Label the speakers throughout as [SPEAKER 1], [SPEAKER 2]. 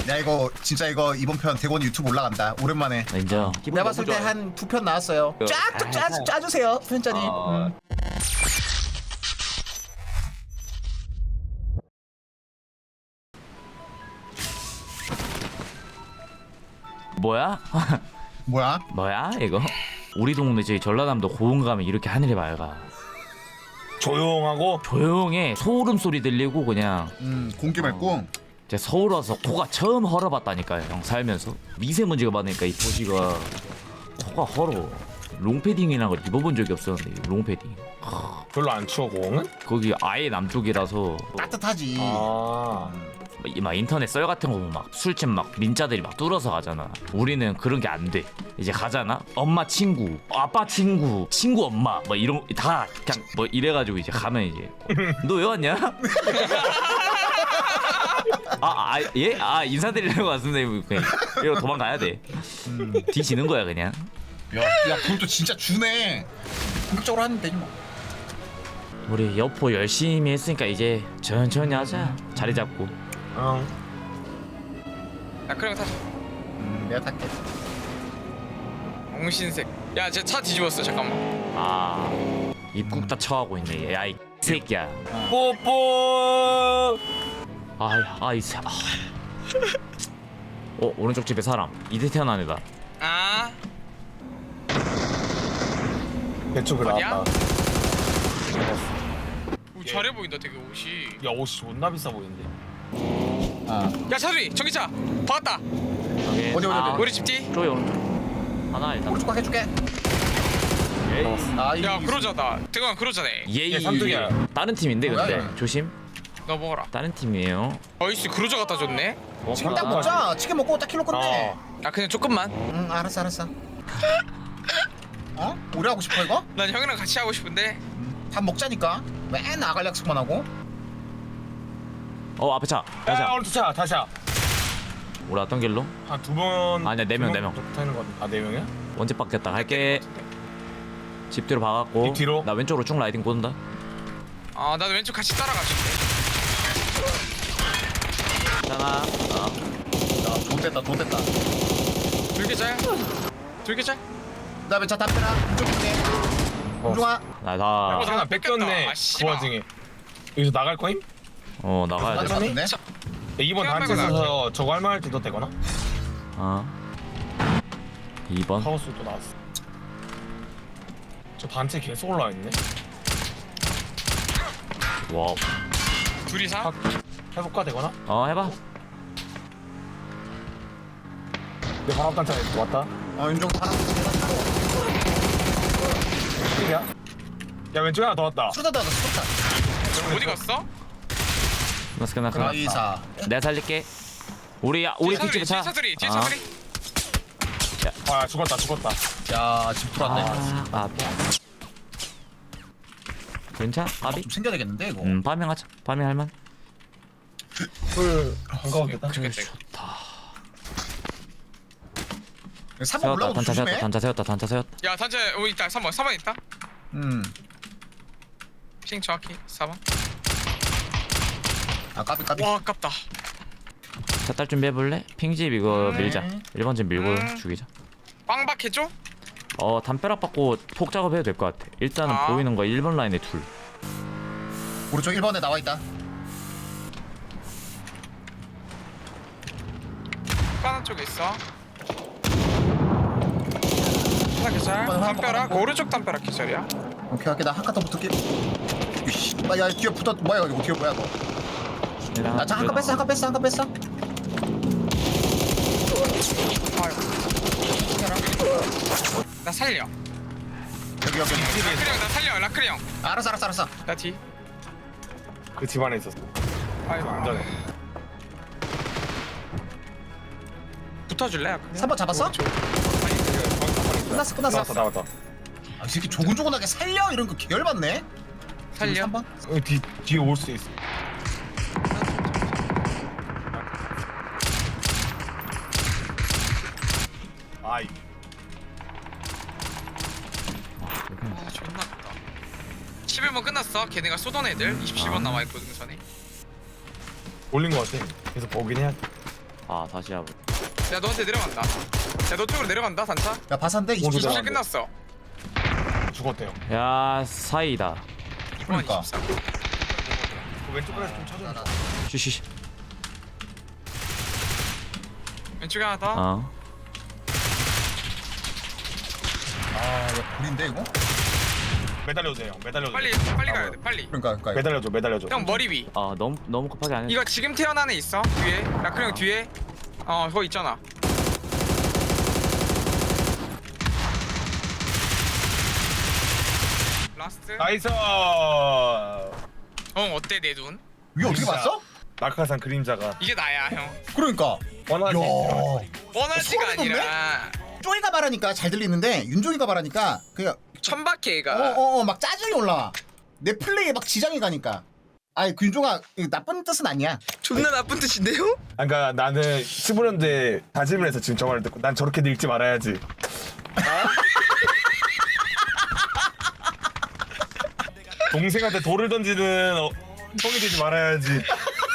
[SPEAKER 1] 야 이거 진짜 이거 이번 편 대권 유튜브 올라간다. 오랜만에.
[SPEAKER 2] 인정.
[SPEAKER 1] 내가 봤을 때 한 2편 나왔어요. 쫙 짜주세요, 편자님.
[SPEAKER 2] 뭐야?
[SPEAKER 1] 뭐야?
[SPEAKER 2] 뭐야 이거? 우리 동네 저기 전라남도 고흥 가면 이렇게 하늘이 맑아.
[SPEAKER 3] 조용하고
[SPEAKER 2] 조용해. 소름 소리 들리고 그냥.
[SPEAKER 1] 공기 맑고.
[SPEAKER 2] 제가 서울 와서 코가 처음 헐어봤다니까요. 형 살면서 미세먼지가 많으니까 이 도시가 코가 헐어. 롱패딩이라는 걸 입어본 적이 없었는데 롱패딩.
[SPEAKER 3] 별로 안 추워 공은?
[SPEAKER 2] 거기 아예 남쪽이라서
[SPEAKER 1] 따뜻하지.
[SPEAKER 2] 막 인터넷 썰 같은 거 보면 막 술집 막 민자들이 막 뚫어서 가잖아. 우리는 그런 게 안 돼. 이제 가잖아. 엄마 친구, 아빠 친구, 친구 엄마 뭐 이런 다 그냥 뭐 이래가지고 이제 가면 이제 너 왜 왔냐? 예? 인사드리려고 왔습니다. 그냥 이러고 도망가야 돼. 뒤지는 거야 그냥.
[SPEAKER 1] 야 그것도 진짜 주네. 본격적으로 하면 되지 뭐.
[SPEAKER 2] 우리 여포 열심히 했으니까 이제 천천히 하자. 자리 잡고.
[SPEAKER 4] 야 그럼 타자.
[SPEAKER 1] 내가 탈게.
[SPEAKER 4] 옹신색. 야 쟤 차 뒤집었어. 잠깐만.
[SPEAKER 2] 입국 다 처하고 있네. 야 이 새끼야.
[SPEAKER 3] 뽀뽀.
[SPEAKER 2] 이 새. 오른쪽 집에 사람. 이대 태어난 애다.
[SPEAKER 4] 아.
[SPEAKER 3] 대쪽에
[SPEAKER 4] 어디야?
[SPEAKER 3] 나왔다.
[SPEAKER 4] 오, 잘해 보인다 되게 옷이.
[SPEAKER 3] 야 옷이 존나 비싸 보이는데.
[SPEAKER 4] 야 차두리 전기차. 박았다.
[SPEAKER 1] 어디?
[SPEAKER 4] 우리 집 뒤.
[SPEAKER 2] 쪽에 오른쪽. 하나 일단.
[SPEAKER 1] 오른쪽 가 해줄게. 아
[SPEAKER 4] 야 그러자다. 대광 그러자네.
[SPEAKER 2] 예이.
[SPEAKER 3] 삼뚝이야.
[SPEAKER 2] 다른 팀인데
[SPEAKER 1] 뭐야,
[SPEAKER 2] 근데
[SPEAKER 1] 이거?
[SPEAKER 2] 조심.
[SPEAKER 4] 너 먹어라.
[SPEAKER 2] 다른 팀이에요.
[SPEAKER 4] 어이씨 그러자 갖다 줬네.
[SPEAKER 1] 치킨 딱 먹자. 치킨 먹고 딱 킬로 건데.
[SPEAKER 4] 아 그냥 조금만.
[SPEAKER 1] 응 알았어. 어? 오래 하고 싶어 이거?
[SPEAKER 4] 난 형이랑 같이 하고 싶은데.
[SPEAKER 1] 밥 먹자니까. 맨 아갈 약속만 하고.
[SPEAKER 2] 앞에 차.
[SPEAKER 3] 야
[SPEAKER 2] 가자.
[SPEAKER 3] 오른쪽 차 다시야.
[SPEAKER 2] 우리 어떤 길로?
[SPEAKER 3] 한 두 번.
[SPEAKER 2] 아니야, 네 명, 네 명.
[SPEAKER 3] 타는 거. 네 명이야?
[SPEAKER 2] 원집 바뀌었다. 갈게. 집 뒤로 박았고.
[SPEAKER 3] 집 뒤로?
[SPEAKER 2] 나 왼쪽으로 쭉 라이딩 꽂는다.
[SPEAKER 4] 아 나도 왼쪽 같이 따라가줄게.
[SPEAKER 2] 하나.
[SPEAKER 1] 야 좋됐다.
[SPEAKER 4] 들개자야. 들개자.
[SPEAKER 1] 그다음에 차 담배라. 이쪽 있네. 공중아.
[SPEAKER 2] 나다.
[SPEAKER 3] 하나 뺏겼네.
[SPEAKER 4] 아,
[SPEAKER 3] 그
[SPEAKER 4] 씨발.
[SPEAKER 3] 와중에. 여기서 나갈 거임?
[SPEAKER 2] 나가야 돼.
[SPEAKER 1] 맞췄네.
[SPEAKER 3] 야, 이번
[SPEAKER 4] 시간
[SPEAKER 3] 단체
[SPEAKER 4] 말고
[SPEAKER 3] 서서 저거 할만할 때도 되거나.
[SPEAKER 2] 2번.
[SPEAKER 3] 카오스 또 나왔어. 저 단체 계속 올라와 있네.
[SPEAKER 2] 와우.
[SPEAKER 4] 둘이 사.
[SPEAKER 3] 해볼까 되거나?
[SPEAKER 2] 해봐.
[SPEAKER 3] 내 바로 앞 단체 왔다.
[SPEAKER 1] 왼쪽 하나.
[SPEAKER 3] 야, 야 왼쪽에 하나 더 왔다.
[SPEAKER 1] 수다다.
[SPEAKER 4] 어디 갔어?
[SPEAKER 2] 끝났어.
[SPEAKER 1] 이사.
[SPEAKER 2] 내가 살릴게. 우리
[SPEAKER 4] 뒤에
[SPEAKER 2] 뒷집에 차.
[SPEAKER 4] 차두리. 뒤에 차두리.
[SPEAKER 3] 아 죽었다.
[SPEAKER 1] 야집 풀었네.
[SPEAKER 2] 괜찮아? 아비?
[SPEAKER 1] 좀 챙겨야 되겠는데 이거.
[SPEAKER 2] 파밍하자. 파밍 할만.
[SPEAKER 3] 풀 반가웠겠다.
[SPEAKER 4] 죽겠다 이거.
[SPEAKER 1] 3번
[SPEAKER 2] 세웠다.
[SPEAKER 1] 올라오고
[SPEAKER 2] 단차 세웠다.
[SPEAKER 1] 조심해.
[SPEAKER 2] 단차 세웠다.
[SPEAKER 4] 야 단체 오 있다. 3번 있다. 핑 정확히 4번.
[SPEAKER 1] 아 까비.
[SPEAKER 4] 와 아깝다.
[SPEAKER 2] 차 딸 준비해볼래? 핑집 이거 밀자. 1번 집 밀고 죽이자.
[SPEAKER 4] 빵박 해줘?
[SPEAKER 2] 담벼락 받고 폭 작업해도 될 것 같아. 일단은
[SPEAKER 4] 아.
[SPEAKER 2] 보이는 거 1번 라인에 둘.
[SPEAKER 1] 오른쪽 1번에 나와 있다.
[SPEAKER 4] 빠른 쪽에 있어. 하나 계절.
[SPEAKER 1] 하나
[SPEAKER 4] 담벼락
[SPEAKER 1] 먹고.
[SPEAKER 4] 오른쪽 담벼락 계절이야.
[SPEAKER 1] 오케이 나 한 칸 더 붙을게. 이씨. 야 뒤에 붙었 뭐야 이거 뒤에 뭐야 이거. 나자 한 칸 뺐어.
[SPEAKER 4] 나 살려.
[SPEAKER 1] 여기.
[SPEAKER 4] 라크리 형나 살려. 라크리 형.
[SPEAKER 1] 알았어.
[SPEAKER 4] 나 뒤.
[SPEAKER 3] 그 집안에 있었어.
[SPEAKER 4] 아이고.
[SPEAKER 3] 안전해.
[SPEAKER 4] 붙어줄래? 라크리 형?
[SPEAKER 1] 3번 잡았어? 끝났어.
[SPEAKER 3] 나왔다.
[SPEAKER 1] 아, 이 새끼 조근조근하게 살려 이런 거 계열받네.
[SPEAKER 4] 살려.
[SPEAKER 1] 3번?
[SPEAKER 3] 뒤에 올 수 있어. 아이.
[SPEAKER 4] 아 존나 아깝다. 11번 끝났어. 걔네가 쏘던 애들 27번 남아있거든 그 전에.
[SPEAKER 3] 올린 거 같아. 계속 보긴 해야 돼.
[SPEAKER 2] 아 다시 해봐.
[SPEAKER 4] 야 너한테 내려간다. 야 너 쪽으로 내려간다 단차.
[SPEAKER 1] 야 바산데
[SPEAKER 3] 오른쪽
[SPEAKER 1] 24.
[SPEAKER 4] 27 끝났어.
[SPEAKER 3] 죽었대요.
[SPEAKER 2] 야 사이다.
[SPEAKER 4] 이번
[SPEAKER 1] 그러니까.
[SPEAKER 4] 24.
[SPEAKER 3] 그 왼쪽 그래서 좀 쳐줘.
[SPEAKER 2] 쉬쉬.
[SPEAKER 4] 왼쪽에 하나 더.
[SPEAKER 2] 어.
[SPEAKER 1] 아야 불인데 이거?
[SPEAKER 3] 매달려도 돼요. 매달려도
[SPEAKER 4] 빨리
[SPEAKER 3] 돼.
[SPEAKER 4] 빨리 가야 돼 빨리.
[SPEAKER 1] 그러니까
[SPEAKER 3] 매달려줘. 매달려줘.
[SPEAKER 4] 형 머리 위.
[SPEAKER 2] 아 너무 급하게 안 해.
[SPEAKER 4] 이거 지금 태어난 애 있어 뒤에. 라크 형 뒤에. 그거 있잖아. 라스트.
[SPEAKER 3] 나이스.
[SPEAKER 4] 형 어때 내 눈?
[SPEAKER 1] 위에 어떻게
[SPEAKER 3] 진짜.
[SPEAKER 1] 봤어?
[SPEAKER 3] 낙하산 그림자가
[SPEAKER 4] 이게 나야 형.
[SPEAKER 1] 그러니까
[SPEAKER 3] 원하지.
[SPEAKER 4] 원하지가
[SPEAKER 1] 소름 돋네?
[SPEAKER 4] 아니라
[SPEAKER 1] 쪼이가 말하니까 잘 들리는데 윤종이가 말하니까 그냥
[SPEAKER 4] 천박해가.
[SPEAKER 1] 막 짜증이 올라와. 내 플레이에 막 지장이 가니까. 아이 그 윤종아 이거 나쁜 뜻은 아니야.
[SPEAKER 4] 존나 나쁜 뜻인데요?
[SPEAKER 3] 그러니까 나는 15년대 다짐을 해서 지금 저 말을 듣고 난 저렇게 늙지 말아야지. 동생한테 돌을 던지는 성이 되지 말아야지.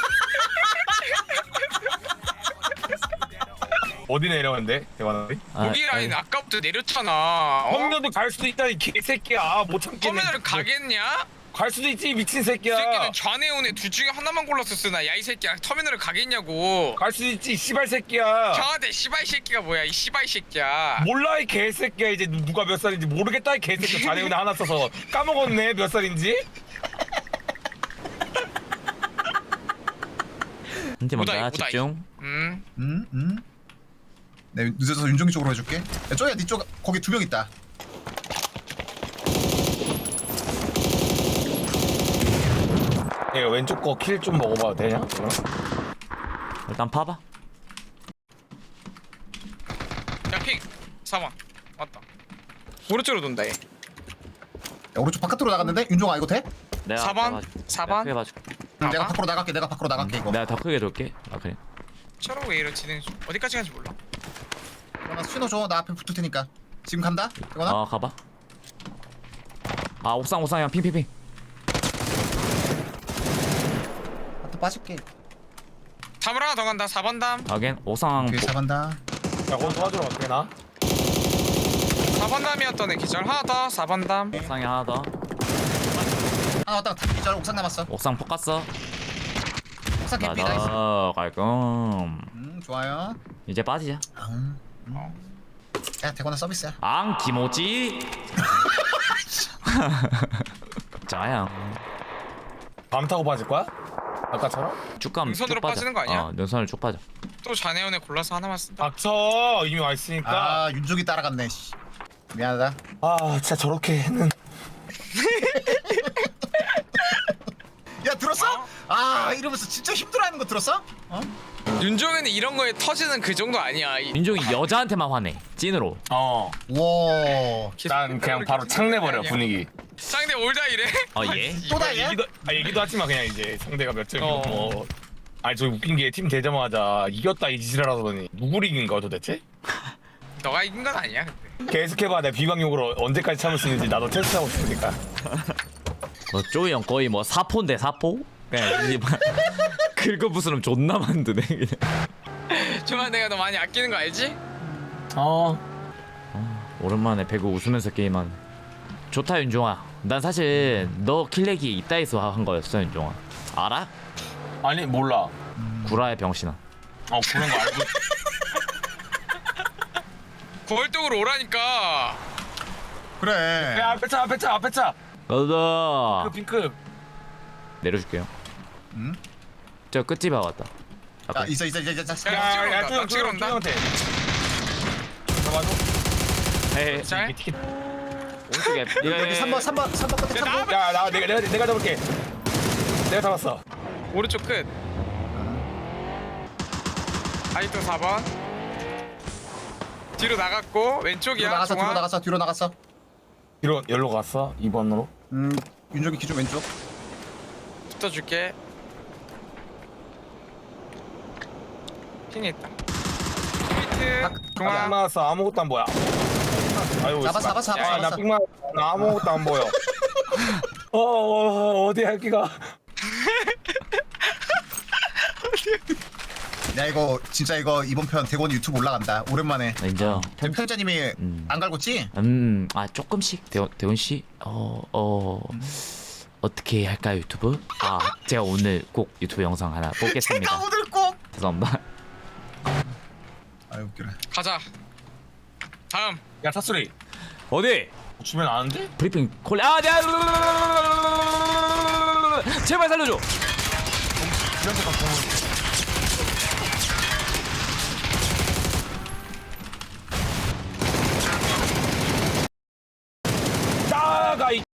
[SPEAKER 3] 어디 내려왔는데? 대관아리?
[SPEAKER 4] 여기 라인 아까부터 내렸잖아.
[SPEAKER 3] 형녀도 갈 수도 있다 이 개새끼야. 못 참겠네.
[SPEAKER 4] 터미널을 가겠냐?
[SPEAKER 3] 갈 수도 있지 미친
[SPEAKER 4] 이
[SPEAKER 3] 새끼야.
[SPEAKER 4] 새끼는 좌뇌 우뇌 둘 중에 하나만 골랐었으나 야 이 새끼야 터미널을 가겠냐고.
[SPEAKER 3] 갈 수도 있지 씨발 새끼야.
[SPEAKER 4] 형한테 씨발 새끼가 뭐야 이 씨발 새끼야.
[SPEAKER 3] 몰라 이 개새끼야. 이제 누가 몇 살인지 모르겠다 이 개새끼. 자네운에 하나 써서 까먹었네 몇 살인지.
[SPEAKER 2] 한팀
[SPEAKER 4] 오다이,
[SPEAKER 2] 먼저
[SPEAKER 4] 오다이.
[SPEAKER 2] 집중.
[SPEAKER 1] 네 늦어서 윤종이 쪽으로 해줄게. 야 쪼이야 니쪽 거기 2명 있다.
[SPEAKER 3] 내가 왼쪽 거 킬 좀 먹어봐도 되냐?
[SPEAKER 2] 일단 파봐.
[SPEAKER 4] 야핑 4번 맞다. 오른쪽으로 돈다 얘.
[SPEAKER 1] 야, 오른쪽 바깥으로 나갔는데 윤종아 이거 돼?
[SPEAKER 2] 내가
[SPEAKER 4] 4번?
[SPEAKER 2] 봐줄게.
[SPEAKER 4] 4번?
[SPEAKER 2] 내가 크게 봐줄게.
[SPEAKER 1] 내가 밖으로 나갈게. 내가 밖으로 나갈게 이거.
[SPEAKER 2] 내가 더 크게 돌게. 아 그래.
[SPEAKER 4] 저러고 왜 이런 진행 중. 어디까지 가는지 몰라.
[SPEAKER 1] 나 신호 줘. 나 앞에 붙을 테니까. 지금 간다. 이거나.
[SPEAKER 2] 어 가봐. 아 옥상 형 핑핑핑.
[SPEAKER 1] 또 빠질게.
[SPEAKER 4] 담을 하나 더 간다. 4번 담.
[SPEAKER 2] 하긴 옥상
[SPEAKER 1] 뒤에 잡한다.
[SPEAKER 3] 야 거기 도와주러 갈게 나.
[SPEAKER 4] 4번 담이었던 애 기절 하나 더. 4번 담.
[SPEAKER 2] 옥상에 하나 더.
[SPEAKER 1] 하나 왔다. 기절 옥상 남았어.
[SPEAKER 2] 옥상 폭 갔어.
[SPEAKER 1] 옥상 개피 나이스.
[SPEAKER 2] 나다 깔끔.
[SPEAKER 1] 좋아요.
[SPEAKER 2] 이제 빠지자.
[SPEAKER 1] 야 대관아 서비스야.
[SPEAKER 2] 앙 기모찌. 자양.
[SPEAKER 3] 밤 타고 빠질 거야? 아까처럼?
[SPEAKER 2] 쭉 가면
[SPEAKER 4] 능선으로
[SPEAKER 2] 쭉 빠져.
[SPEAKER 4] 빠지는 거 아니야?
[SPEAKER 2] 능선을 쭉 빠져.
[SPEAKER 4] 또 자네온에 골라서 하나만 쓴다.
[SPEAKER 3] 닥쳐 이미 와 있으니까.
[SPEAKER 1] 아 윤종이 따라갔네. 씨. 미안하다.
[SPEAKER 3] 아 진짜 저렇게는.
[SPEAKER 1] 야 들었어? 아 이러면서 진짜 힘들어하는 거 들었어? 어?
[SPEAKER 4] 윤종이는 이런 거에 터지는 그 정도 아니야.
[SPEAKER 2] 민종이 여자한테만 화내. 찐으로.
[SPEAKER 3] 어.
[SPEAKER 1] 와.
[SPEAKER 3] 난 그냥 바로 창 내버려 분위기.
[SPEAKER 4] 상대 올다 이래.
[SPEAKER 2] 예?
[SPEAKER 1] 또 다이야?
[SPEAKER 3] 얘기도 하지 마 그냥 이제 상대가 몇 점이고
[SPEAKER 4] 어.
[SPEAKER 3] 뭐. 아니 저 웃긴 게 팀 되자마자 이겼다 이 짓을 하더니 누굴 이긴 거야 도대체?
[SPEAKER 4] 너가 이긴 건 아니야 근데.
[SPEAKER 3] 계속해봐 내 비광욕으로 언제까지 참을 수 있는지 나도 테스트하고 싶으니까.
[SPEAKER 2] 쪼이 형 거의 뭐 사포인데 사포? 그냥 이 긁어부스럼 존나 만드네 그냥.
[SPEAKER 4] 정말 내가 너 많이 아끼는 거 알지?
[SPEAKER 2] 오랜만에 배구 웃으면서 게임한. 좋다 윤종아. 난 사실 너 킬렉이 있다 해서 한 거였어 윤종아. 알아?
[SPEAKER 3] 아니 몰라.
[SPEAKER 2] 구라의 병신아.
[SPEAKER 3] 그런 거 알고.
[SPEAKER 4] 거울쪽으로 오라니까.
[SPEAKER 1] 그래.
[SPEAKER 3] 야 앞에 차 앞에 차 앞에 차.
[SPEAKER 2] 가자.
[SPEAKER 3] 그 핑크.
[SPEAKER 2] 내려줄게요.
[SPEAKER 1] 응?
[SPEAKER 2] 저 끝집에 왔다.
[SPEAKER 1] 야 있어.
[SPEAKER 4] 야,
[SPEAKER 3] 야야
[SPEAKER 4] 나 찍으러 온다.
[SPEAKER 3] 형한테. 잡아줘.
[SPEAKER 2] 헤헤.
[SPEAKER 4] 잘.
[SPEAKER 3] 티켓.
[SPEAKER 2] 오른쪽에
[SPEAKER 1] 여기 3번 끝에
[SPEAKER 4] 야,
[SPEAKER 1] 3번.
[SPEAKER 3] 야나 내가 잡을게. 내가 잡았어.
[SPEAKER 4] 오른쪽 끝. 아이또 4번. 뒤로 나갔고 왼쪽이야.
[SPEAKER 1] 뒤로 나갔어. 뒤로 나갔어.
[SPEAKER 3] 뒤로 열로 갔어 2번으로.
[SPEAKER 1] 윤종이 기준 왼쪽.
[SPEAKER 4] 붙어줄게. 핑이 있다. 포인트.
[SPEAKER 3] 안
[SPEAKER 4] 중앙.
[SPEAKER 3] 나왔어 아무것도 안 보여. 아유
[SPEAKER 1] 잡아.
[SPEAKER 3] 나 빅만 나 아무것도 안 보여. 어디야 여기가.
[SPEAKER 1] 야 이거 진짜 이거 이번 편 대권 유튜브 올라간다. 오랜만에.
[SPEAKER 2] 인정.
[SPEAKER 1] 편집자님이 안 갈궜지?
[SPEAKER 2] 아 조금씩 대원 씨, 어떻게 할까요 유튜브? 아 제가 오늘 꼭 유튜브 영상 하나 뽑겠습니다.
[SPEAKER 1] 제가 오늘 꼭.
[SPEAKER 2] 죄송합니다.
[SPEAKER 1] 아유 웃기네.
[SPEAKER 4] 가자. 다음.
[SPEAKER 3] 야 사소리
[SPEAKER 2] 어디?
[SPEAKER 3] 주면 아는데?
[SPEAKER 2] 브리핑 콜. 아, 네. 제발 살려줘.
[SPEAKER 3] 이런데 막 보면 나가 이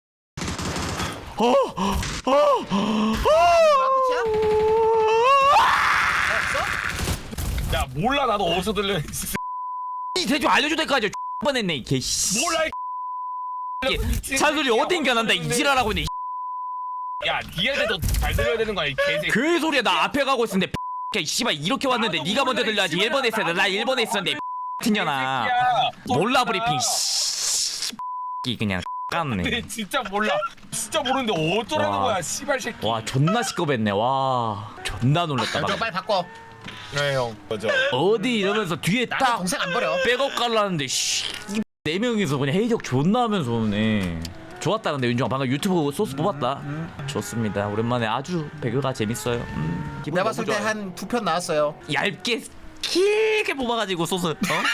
[SPEAKER 3] 야 몰라 나도 어디서 들려
[SPEAKER 2] 이 대충 알려줄 때까지 뻔했네 이 개씨.
[SPEAKER 3] 몰라 이
[SPEAKER 2] 차소리 어딘가 난다 이 지랄하고 있네.
[SPEAKER 3] 야 니한테도 잘 들려야 되는 거야 이 개새끼
[SPEAKER 2] 그 소리야. 나 앞에 가고 있었는데 야 씨발 이렇게 왔는데
[SPEAKER 3] 나도
[SPEAKER 2] 네가 먼저
[SPEAKER 3] 몰라,
[SPEAKER 2] 들려야지.
[SPEAKER 3] 이
[SPEAKER 2] 1번에 있었는데 나 1번에 있었는데 튕겨나. 몰라 브리핑 이 그냥 깠네.
[SPEAKER 3] 근데 진짜 몰라 진짜 모르는데 어쩌라는
[SPEAKER 2] 와.
[SPEAKER 3] 거야 씨발 새끼
[SPEAKER 2] 와 존나 시끄럽네. 와 존나 놀랐다.
[SPEAKER 1] 야, 너
[SPEAKER 2] 방금.
[SPEAKER 1] 빨리 바꿔.
[SPEAKER 3] 네형 맞아
[SPEAKER 2] 어디 이러면서 뒤에
[SPEAKER 1] 나는
[SPEAKER 2] 딱
[SPEAKER 1] 동생 안 버려.
[SPEAKER 2] 백업 깔라는데 네 명이서 그냥 해적 존나 하면서 오네. 좋았다. 근데 윤종아 방금 유튜브 소스 뽑았다. 좋습니다. 오랜만에 아주 배그가 재밌어요. 기분
[SPEAKER 1] 내가
[SPEAKER 2] 너무
[SPEAKER 1] 봤을 때
[SPEAKER 2] 좋아요.
[SPEAKER 1] 한 2편 나왔어요.
[SPEAKER 2] 얇게 길게 뽑아가지고 소스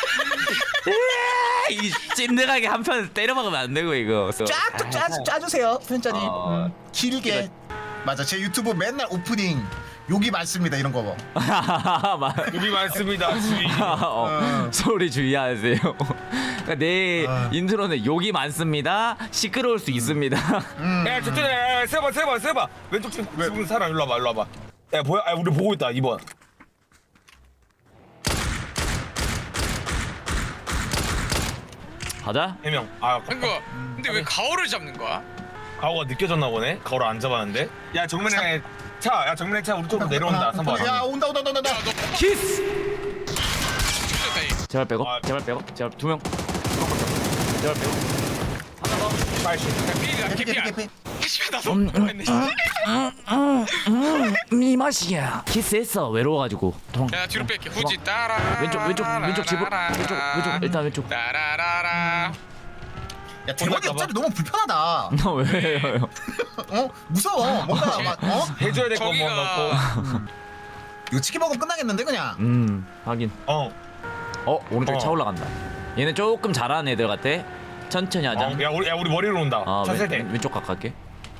[SPEAKER 2] 이 찐득하게 한 편 때려 박으면 안 되고 이거.
[SPEAKER 1] 쫙 짜주세요 편자님. 길게. 맞아 제 유튜브 맨날 오프닝 욕이 많습니다 이런 거 봐.
[SPEAKER 3] 우리 많습니다 주의
[SPEAKER 2] 소리 주의하세요. 그러니까 내 인트로는 욕이 많습니다. 시끄러울 수 있습니다.
[SPEAKER 3] 야 저쪽에 세봐 왼쪽 지금 사람 일로 와봐 야 뭐야 아 우리 보고 있다 2번
[SPEAKER 2] 가자.
[SPEAKER 3] 3명 아
[SPEAKER 4] 이거 근데 왜 가오를 잡는 거야?
[SPEAKER 3] 가오가 느껴졌나 보네 가오를 안 잡았는데 야 정면에 야 정면에 차 우리 쪽으로 내려온다 3번
[SPEAKER 1] 야 온다.
[SPEAKER 4] 야, 너
[SPEAKER 2] 키스.
[SPEAKER 4] 죽였다 이.
[SPEAKER 2] 제발 빼고.
[SPEAKER 3] 아.
[SPEAKER 2] 제발 빼고. 제발 2명. 제발 빼고.
[SPEAKER 3] 빨리
[SPEAKER 4] 개피야
[SPEAKER 1] 개피
[SPEAKER 4] 개피야.
[SPEAKER 1] 개피.
[SPEAKER 4] 씨발 나도 했네.
[SPEAKER 2] 이 맛이야. 키스했어. 외로워가지고.
[SPEAKER 4] 야 뒤로 뺄게. 후지 따라.
[SPEAKER 2] 왼쪽 집으로. 왼쪽 일단 왼쪽.
[SPEAKER 4] 따라라라.
[SPEAKER 1] 야 대박이 옆자리 너무 불편하다.
[SPEAKER 2] 너 왜요?
[SPEAKER 1] 어 무서워. 뭔가 막
[SPEAKER 3] 해줘야 될 거 뭐
[SPEAKER 4] 저기가
[SPEAKER 3] 넣고
[SPEAKER 1] 이거 치킨 먹으면 끝나겠는데 그냥.
[SPEAKER 2] 하긴.
[SPEAKER 3] 어
[SPEAKER 2] 오른쪽에
[SPEAKER 3] 어.
[SPEAKER 2] 차 올라간다. 얘는 조금 잘하는 애들 같아. 천천히 하자.
[SPEAKER 3] 야 우리 머리로 온다 차 세대
[SPEAKER 2] 왼쪽 가깝게.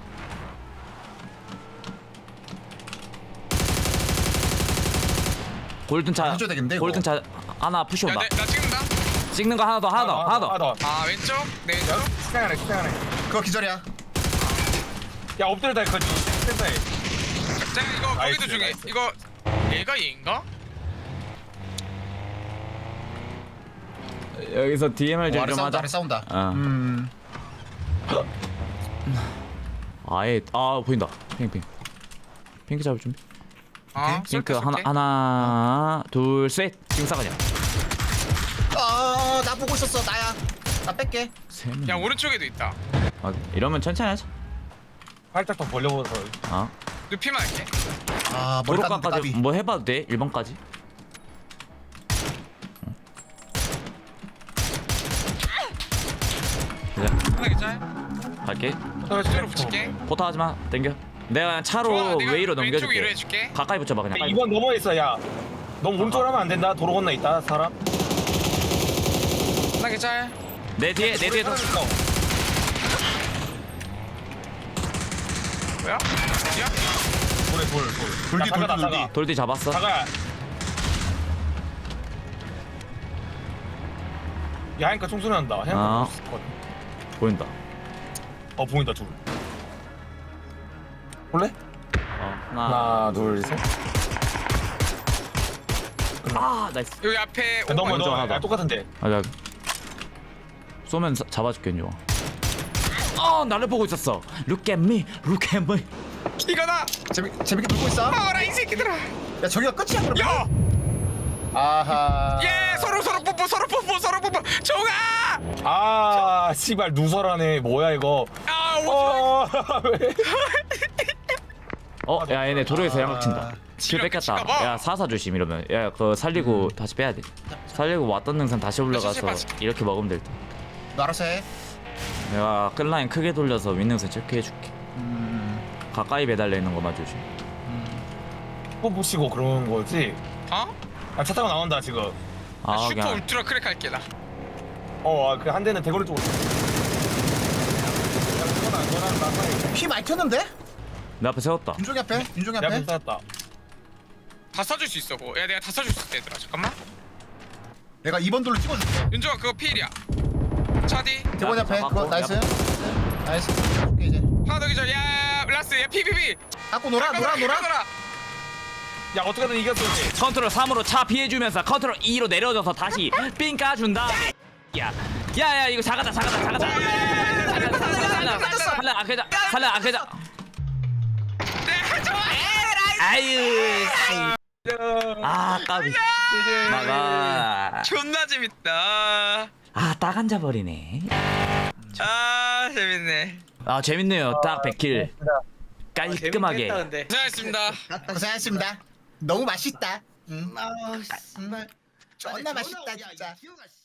[SPEAKER 2] 골든 차.
[SPEAKER 1] 해줘야 되겠는데, 이거?
[SPEAKER 2] 골든 차 하나 푸시 온다.
[SPEAKER 4] 나 찍는다.
[SPEAKER 2] 찍는 거 하나 더. 하나 더.
[SPEAKER 4] 아 왼쪽 내 왼쪽.
[SPEAKER 3] 식당 안에
[SPEAKER 1] 그거 기절이야.
[SPEAKER 3] 야 엎드려다 이거 센터에
[SPEAKER 4] 자 이거 거기도
[SPEAKER 3] 나이스,
[SPEAKER 4] 중에
[SPEAKER 3] 나이스.
[SPEAKER 4] 이거 얘가 얘인가?
[SPEAKER 2] 여기서 DMR
[SPEAKER 1] 아래
[SPEAKER 2] 좀
[SPEAKER 1] 싸운다
[SPEAKER 2] 하자.
[SPEAKER 1] 아래 싸운다.
[SPEAKER 2] 아예 보인다. 핑. 핑크 잡을 준비.
[SPEAKER 4] 어
[SPEAKER 2] 핑크
[SPEAKER 4] 쏠게.
[SPEAKER 2] 하나 둘 셋. 지금 싸가냐.
[SPEAKER 1] 나 보고 있었어 나야. 나 뺄게.
[SPEAKER 2] 세 명.
[SPEAKER 4] 야 오른쪽에도 있다.
[SPEAKER 2] 이러면 천천히 하자.
[SPEAKER 3] 살짝 더 벌려보서
[SPEAKER 4] 눕히만 할게.
[SPEAKER 1] 머리 깎는
[SPEAKER 2] 도로가까지
[SPEAKER 1] 까비.
[SPEAKER 2] 뭐 해봐도 돼. 1번까지.
[SPEAKER 4] 하나 괜찮아?
[SPEAKER 2] 갈게.
[SPEAKER 4] 뒤로 붙일게.
[SPEAKER 2] 포터 하지마. 땡겨. 내가 그냥 차로
[SPEAKER 4] 좋아, 내가
[SPEAKER 2] 웨이로
[SPEAKER 4] 왼쪽
[SPEAKER 2] 넘겨줄게.
[SPEAKER 4] 위로 해줄게.
[SPEAKER 2] 가까이 붙여봐 그냥.
[SPEAKER 3] 2번 넘어 있어 야 너무 오른쪽으로 하면 안 된다 도로 건너 있다 사람
[SPEAKER 4] 하나 괜찮아?
[SPEAKER 2] 내 뒤에도.
[SPEAKER 4] 뭐야? 어디야?
[SPEAKER 3] 돌
[SPEAKER 1] 돌디.
[SPEAKER 2] 돌뒤 잡았어.
[SPEAKER 3] 다가 야 하니까 총소리 난다
[SPEAKER 2] 아. 보인다.
[SPEAKER 3] 보인다 둘 볼래?
[SPEAKER 2] 하나.
[SPEAKER 3] 하나 둘셋
[SPEAKER 2] 나이스.
[SPEAKER 4] 여기 앞에
[SPEAKER 3] 넘어
[SPEAKER 2] 먼저 하나 더.
[SPEAKER 3] 야 똑같은데
[SPEAKER 2] 야. 쏘면 잡아줄게 윤종아. 나를 보고 있었어. Look at me.
[SPEAKER 4] 이거다.
[SPEAKER 1] 재밌게 놀고 있어.
[SPEAKER 4] 아라 이 새끼들아.
[SPEAKER 1] 야 저기가 끝이야 그러면.
[SPEAKER 4] 야.
[SPEAKER 1] 아하.
[SPEAKER 4] 예 서로 뽀뽀. 정아.
[SPEAKER 3] 아 씨발 누설하네 뭐야 이거
[SPEAKER 4] 아 오지
[SPEAKER 3] 왜?
[SPEAKER 2] 야 얘네 도로에서 양각 친다. 킬
[SPEAKER 4] 지갑
[SPEAKER 2] 뺏겼다.
[SPEAKER 4] 지갑아.
[SPEAKER 2] 야 사사 조심 이러면. 야 그거 살리고 다시 빼야 돼. 살리고 왔던 능선 다시 올라가서
[SPEAKER 4] 빠지.
[SPEAKER 2] 이렇게 먹으면 될 듯.
[SPEAKER 1] 너 알아서 해.
[SPEAKER 2] 내가 끝라인 크게 돌려서 윗능선 체크해줄게. 가까이 매달려 있는 거만 조심.
[SPEAKER 3] 또 보시고 그런 거지.
[SPEAKER 4] 어?
[SPEAKER 3] 아, 차 타고 나온다 지금.
[SPEAKER 2] 아
[SPEAKER 4] 슈퍼
[SPEAKER 2] 그냥
[SPEAKER 4] 울트라 크랙 할게 나.
[SPEAKER 3] 그 한 대는 대거리 쪽으로. 야, 너랑 나 사이.
[SPEAKER 1] 피 많이 튀었는데?
[SPEAKER 2] 내 앞에 세웠다.
[SPEAKER 1] 윤종이 앞에. 윤종이
[SPEAKER 3] 내 앞에
[SPEAKER 1] 앞에.
[SPEAKER 3] 쌓였다.
[SPEAKER 4] 다 써줄 수 있어 그거. 야 내가 다 써줄 수 있다 얘들아. 잠깐만.
[SPEAKER 1] 내가 2번 돌로 찍어줄게.
[SPEAKER 4] 윤종아 그거 필이야. 차디.
[SPEAKER 1] 대본이 앞에.
[SPEAKER 2] 잡았고,
[SPEAKER 1] 그거 나이스.
[SPEAKER 2] 야.
[SPEAKER 1] 나이스. 오케이 이제.
[SPEAKER 4] 하나 더 기절. 야 라스. 야 피피피.
[SPEAKER 1] 갖고 놀아.
[SPEAKER 3] 야 어떻게든 이겼을지.
[SPEAKER 2] 컨트롤 3으로 차 피해주면서 컨트롤 2로 내려져서 다시 삥 까준 다음에 야야야 이거 작아다 살려 아케자 아유 아 까비 나가
[SPEAKER 4] 존나 재밌다.
[SPEAKER 2] 아딱 앉아버리네.
[SPEAKER 4] 아 재밌네.
[SPEAKER 2] 아 재밌네요. 딱 100킬 깔끔하게.
[SPEAKER 4] 고생하셨습니다.
[SPEAKER 1] 고생하셨습니다. 너무 맛있다. 존나 맛있다 진짜.